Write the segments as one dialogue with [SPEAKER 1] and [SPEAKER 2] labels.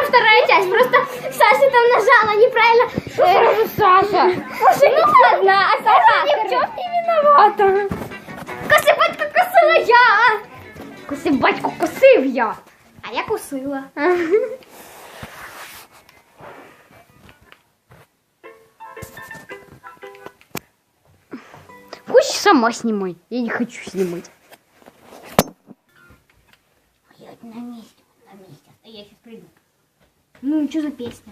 [SPEAKER 1] вторая часть. Просто Саша там нажала неправильно.
[SPEAKER 2] Саша.
[SPEAKER 1] Ну ладно, а Саша ни в чем не виновата. Косибатьку косила я.
[SPEAKER 2] Косибатьку косив я.
[SPEAKER 1] А я косила.
[SPEAKER 2] Хочешь, сама снимай. Я не хочу снимать.
[SPEAKER 1] Я на месте. А я сейчас приду. Ну, что за песня?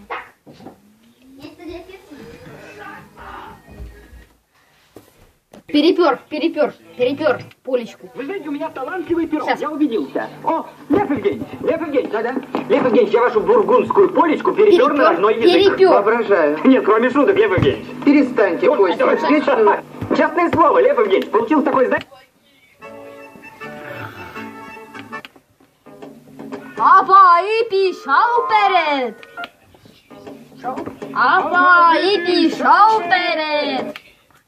[SPEAKER 2] Перепер полечку.
[SPEAKER 3] Вы знаете, у меня талантливый пирог, я убедился. О, Лев Евгеньевич, да-да. Лев Евгеньевич, я вашу бургундскую полечку перепер на родной язык.
[SPEAKER 4] Воображаю.
[SPEAKER 3] Нет, кроме шуток, Лев Евгеньевич.
[SPEAKER 4] Перестаньте, Костя, вот вечно...
[SPEAKER 3] Честное слово, Лев Евгеньевич, получил такой, знаете...
[SPEAKER 2] Апа і пішов вперед. Апа і пішов вперед.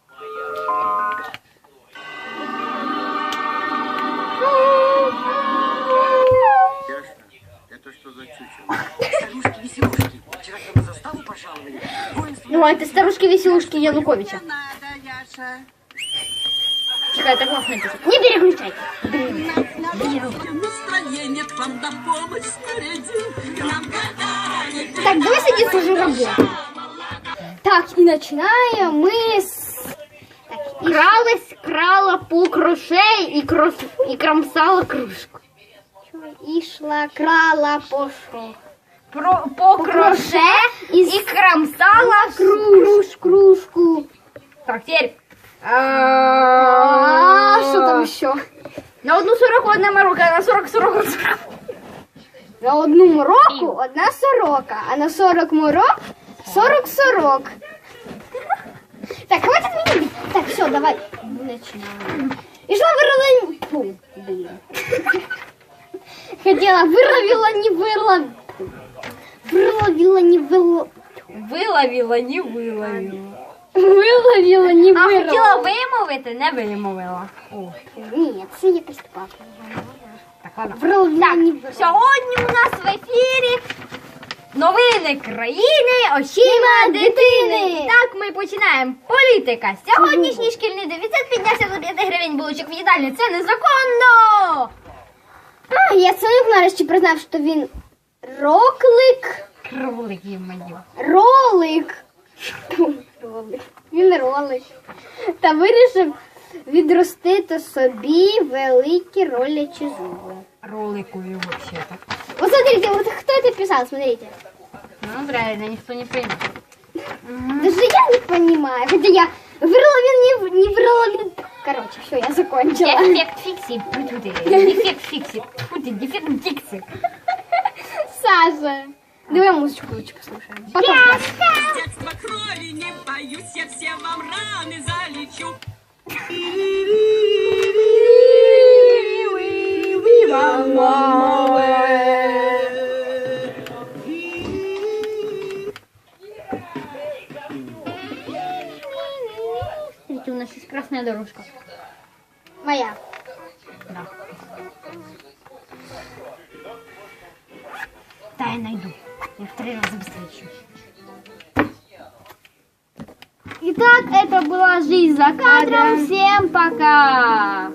[SPEAKER 5] Это что за чучело? Старушки-веселушки. Вчера к нам на заставу пожаловали.
[SPEAKER 2] Ну, это старушки-веселушки Януковича.
[SPEAKER 5] Надо, Яша.
[SPEAKER 2] Тихо, это классно написано. Не переключай.
[SPEAKER 5] Настроение к вам на помощь снарядил. К нам гадали.
[SPEAKER 1] Так, давай садиться уже работать. Так, и начинаем мы с...
[SPEAKER 2] Крала по кроше и кромсала кружку.
[SPEAKER 1] И шла, крала, пошел.
[SPEAKER 2] По кроше и кромсала
[SPEAKER 1] Кружку.
[SPEAKER 2] Так, теперь.
[SPEAKER 1] Что там еще?
[SPEAKER 2] На 1,40 морока, а на 40.
[SPEAKER 1] На одну мороку одна сорока, а на 40 морок 40. Так, хватит меня бить. Так, все, давай. Начинаем. И шла вырвала... Фу, блин. Хотела, выловила, не выловила. Выловила, не выловила.
[SPEAKER 2] Виловила, не виловила.
[SPEAKER 1] Виловила, не
[SPEAKER 2] А
[SPEAKER 1] виловила.
[SPEAKER 2] хотіла вимовити, не вимовила. О,
[SPEAKER 1] Ні, це якось так.
[SPEAKER 2] так, ладно.
[SPEAKER 1] Виловила, не виловила.
[SPEAKER 2] Сьогодні у нас в ефірі новини країни очима дитини. І так, ми починаємо. Політика. Сьогоднішній шкільний дефіцит піднявся до 5 гривень булочок в їдальні. Це незаконно.
[SPEAKER 1] А, я сам нарешті признав, що він роклик.
[SPEAKER 2] Кролик є моє.
[SPEAKER 1] Ролик. Він ролик. Та вирішив відростити собі великі ролячі зуби.
[SPEAKER 2] Роликові вообще-то.
[SPEAKER 1] Вот смотрите, вот кто это писал, смотрите.
[SPEAKER 2] Ну, правильно, ніхто не прийме.
[SPEAKER 1] Даже я не понимаю. Хотя я вырвал, не вырвал. Короче, все, я закончила.
[SPEAKER 2] Дефект фіксі. Дефект фіксі. Дефект фіксі.
[SPEAKER 1] Саша. Давай музычку лучше послушаем. Потом.
[SPEAKER 5] С детства крови не боюсь, я все вам раны залечу.
[SPEAKER 2] Смотрите, у нас есть красная дорожка.
[SPEAKER 1] Моя.
[SPEAKER 2] Да. Да, я найду. Я в 3 раза быстрее.
[SPEAKER 1] Итак, это была жизнь за кадром. Всем пока.